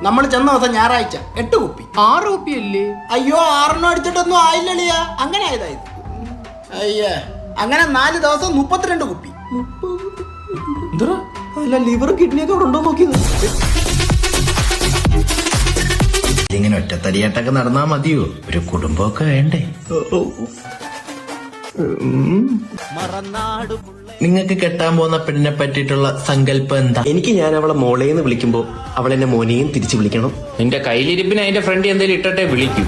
നമ്മൾ ചെന്ന ദിവസം ഞായറാഴ്ച 8 കുപ്പി. 6 കുപ്പിയല്ലേ? അയ്യോ 6 അടിച്ചിട്ടൊന്നും ആയില്ലളിയാ. അങ്ങനെ ആയതായത്. അയ്യേ അങ്ങനെ 4 ദിവസം 32 കുപ്പി. അല്ല ലിവർ കിഡ്നിയൊക്കെ ഇവിടെ ഉണ്ടോ നോക്കിയത്. ഇങ്ങനെ ഒറ്റത്തടിയായിട്ടൊക്കെ നടന്നാ മതിയോ? ഒരു കുടുംബമൊക്കെ വേണ്ടേ? നിങ്ങൾക്ക് കെട്ടാൻ പോകുന്ന പെണ്ണിനെ പറ്റിയിട്ടുള്ള സങ്കല്പം എന്താ? എനിക്ക് ഞാൻ അവളെ മോളേന്ന് വിളിക്കുമ്പോ അവൾ എന്നെ മോനെയും തിരിച്ചു വിളിക്കണം. നിന്റെ കയ്യിലിരിപ്പിന് അതിന്റെ ഫ്രണ്ട് എന്തെങ്കിലും ഇട്ടട്ടെ വിളിക്കൂ.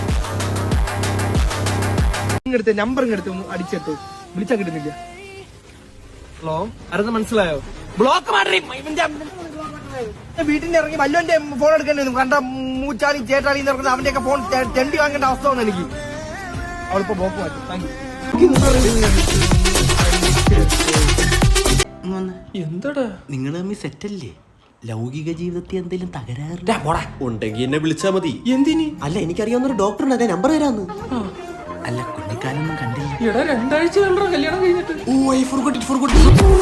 നമ്പർ അടിച്ചിട്ടു വിളിച്ചാ കിട്ടുന്നില്ല. ഹലോ ആരെന്ന് മനസ്സിലായോ? ബ്ലോക്ക് മാറി വീട്ടിൽ ഇറങ്ങി വല്ലോന്റെ ഫോൺ എടുക്കേണ്ടി വരും. കണ്ട മൂച്ചാളി ചേട്ടാളി എന്ന് അവന്റെ ഒക്കെ ഫോൺ തെണ്ടി വാങ്ങേണ്ട അവസ്ഥ വന്നു എനിക്ക്. അവളിപ്പോ ബ്ലോക്ക് മാറ്റി. എന്താടാ നിങ്ങൾ തമ്മിൽ സെറ്റല്ലേ? ലൗകിക ജീവിതത്തിൽ എന്തെങ്കിലും തകരാറ് ഉണ്ടെങ്കിൽ എന്നെ വിളിച്ചാ മതി. എന്തിന്? അല്ല എനിക്കറിയാവുന്നൊരു ഡോക്ടറുണ്ട്, അതേ നമ്പർ തരാന്ന്. അല്ല കുഞ്ഞിക്കാലൊന്നും കണ്ടില്ല. എടാ 2 ആഴ്ച കല്യാണം കഴിഞ്ഞിട്ട്. Oh I forgot it forgot.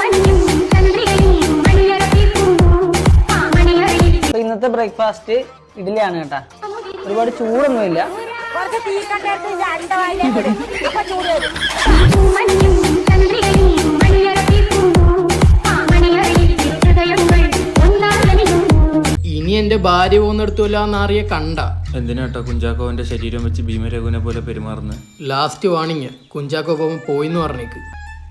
ഇന്നത്തെ ബ്രേക്ക്ഫാസ്റ്റ് ഇഡ്ഡലിയാണ് കേട്ടാ. ഒരുപാട് ചൂടൊന്നുമില്ല. ഇനി എന്റെ ഭാര്യ പോകുന്നിടത്തുമില്ലാന്നറിയ കണ്ട. എന്തിനാട്ടോ കുഞ്ചാക്കോവന്റെ ശരീരം വെച്ച് ഭീമരഘുവിനെ പോലെ പെരുമാറുന്നത്? ലാസ്റ്റ് വാണിങ്, കുഞ്ചാക്കോ പോകുമ്പോ പോയിന്ന് പറഞ്ഞേക്ക്.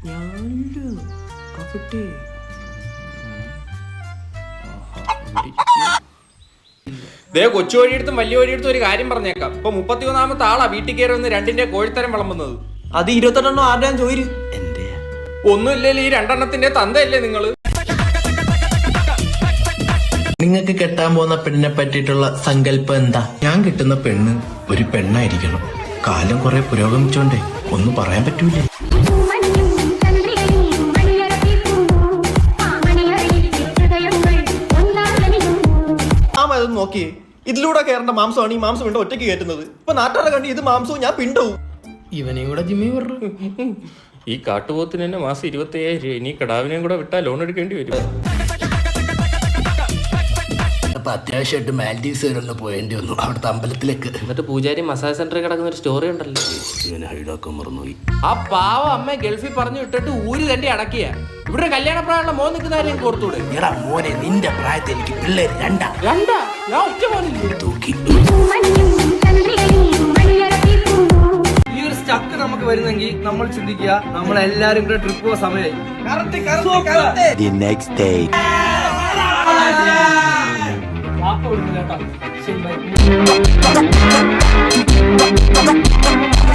കൊച്ചു വഴിയെടുത്തും വലിയ വഴിയെടുത്തും ഒരു കാര്യം പറഞ്ഞേക്കാം. ഇപ്പൊ 31ാമത്തെ ആളാ വീട്ടിൽ കയറി വന്ന് 2ന്റെ കോഴിത്തരം വിളമ്പുന്നത്. അത് 28 ആരുടെയാ ചോദിച്ചു? എന്റെ ഒന്നുമില്ലല്ലോ ഈ 2 തന്തയല്ലേ നിങ്ങള്? നിങ്ങൾക്ക് കെട്ടാൻ പോകുന്ന പെണ്ണിനെ പറ്റിയിട്ടുള്ള സങ്കല്പം എന്താ? ഞാൻ കിട്ടുന്ന പെണ്ണ് ഒരു പെണ്ണായിരിക്കണം. കാലം കുറെ പുരോഗമിച്ചോണ്ടേ ഒന്നും പറയാൻ പറ്റൂലേ. നോക്കിയേ, ഇതിലൂടെ കയറേണ്ട മാംസമാണ് ഈ മാംസം കൊണ്ട് ഒറ്റയ്ക്ക് കയറ്റുന്നത്. ഇപ്പൊ നാട്ടുകാരെ കണ്ടി ഇത് മാംസവും ഞാൻ പിണ്ടവും. ഇവനെയും കൂടെ ജിമ്മി പറഞ്ഞു. ഈ കാട്ടുപോത്തിന് തന്നെ മാസം 25,000 രൂപ. ഇനി കടാവിനെയും കൂടെ വിട്ടാൽ ലോൺ എടുക്കേണ്ടി വരും. അപ്പൊ അത്യാവശ്യമായിട്ട് മാൽഡീവ്സ് വരെ ഒന്ന് പോയേണ്ടി വന്നു അവിടുത്തെ അമ്പലത്തിലേക്ക്. എന്നിട്ട് പൂജാരി മസാജ് സെന്ററിൽ കിടക്കുന്ന ഒരു സ്റ്റോറി ഉണ്ടല്ലോ. ഇവനെ ഹൈഡാക്കാൻ മറന്നുപോയി. ആ പാവ അമ്മ ഗൾഫിൽ പറഞ്ഞു വിട്ടിട്ട് ഊര് തന്നെ അടക്കിയ. ഇവിടെ കല്യാണ പ്രായമുള്ള മോൻ നിൽക്കുന്ന കൊടുത്തൂടെ? എടാ മോനെ നിന്റെ പ്രായത്തിൽ എനിക്ക് പിള്ളേര് രണ്ടാ. ഞാൻ ഒറ്റ മോനില്ല. തൂക്കി ഈ ഒരു സ്റ്റക്ക് നമുക്ക് വരുന്നെങ്കിൽ നമ്മൾ ചിന്തിക്കുക നമ്മളെല്ലാരും കൂടെ ട്രിപ്പ് പോകാൻ സമയമായി. The next day. ശരി, ബൈ.